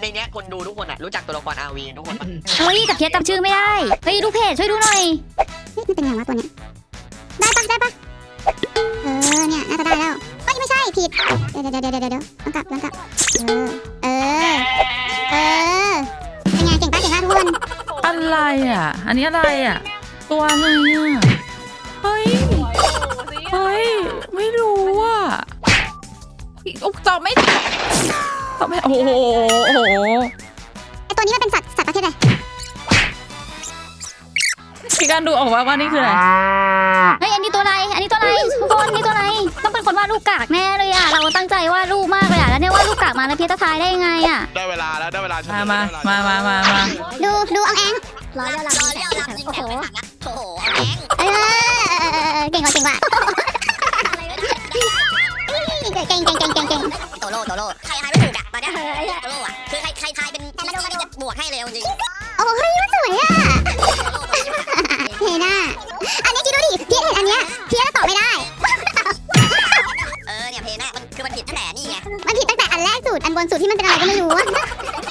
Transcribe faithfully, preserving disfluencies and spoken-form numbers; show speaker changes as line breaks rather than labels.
เนี้ยคนดูทุกคนอ่ะรู้จักตัวละคร อาร์ วี ทุกคนปะ
เฮ้ยกับเคสจำชื่อไม่ได้เฮ้ยดูเพจช่วยดูหน่อย
มันเป็นไงวะตัวเนี้ยได้ปะได้ปะเออเนี่ยน่าจะได้แล้วเฮ้ยไม่ใช่ผิดเดี๋ยวเดี๋ยวเดี๋ยวเดี๋ยวเดี๋ยวต้องกลับต้องกลับเออเออเออเป็นไงเก่งปะเก่งปะทุกคน
อะไรอ่ะอันนี้อะไรอ่ะตัวอะไรอ่ะเฮ้ยเฮ้ยไม่รู้อ่ะอุ๊ยตอบไม่ตอบไม่โอ้โหโอ้โห
ไอตัวนี้มันเป็นสัตว์สัตว์ประเภทอะไร
พี่การดูออกว่าว่านี่คืออะไร
เฮ้ยอันนี้ตัวอะไรอันนี้ตัวอะไรทุกคนนี่ตัวอะไรต้องเป็นคนวาดรูปกากแน่เลยอ่ะเราตั้งใจวาดรูปมากเลยอ่ะแล้วเนี่ยวาดรูปกากมาแล้วพี่จะทายได้ยังไงอ่ะ
ได้เวลาแล้วได้เวลา
มามามามามามา
ดูดูเอาแอง
รอเรียวลำรอเรียวลำยิงแถวไปถังนะโอ้โหแอง
เออเก่งกว่าเก่งกว่าเก่งเก่งเก่งเก่งเก่งเก่ง
โตโร่โตโร่ใครทายไม่ถูกอะตอนเนี้ยโตโร่อะคือใครใครทายเป็นพี่นี่จะบวกให้เลยจริง
โอ้เฮ้ยมันสวยอ่ะเห็นอ่ะอันนี้คิดดูดิพี่เห็นอันเนี้ยพี่ก็ตอบไม่ได้
เออเนี่ยเพน่ะมันคือมันผิดตั้งแต่นี่ไง
มันผิดตั้งแต่อันแรกสุดอันบนสุดที่มันเป็นอะไรก็ไม่รู้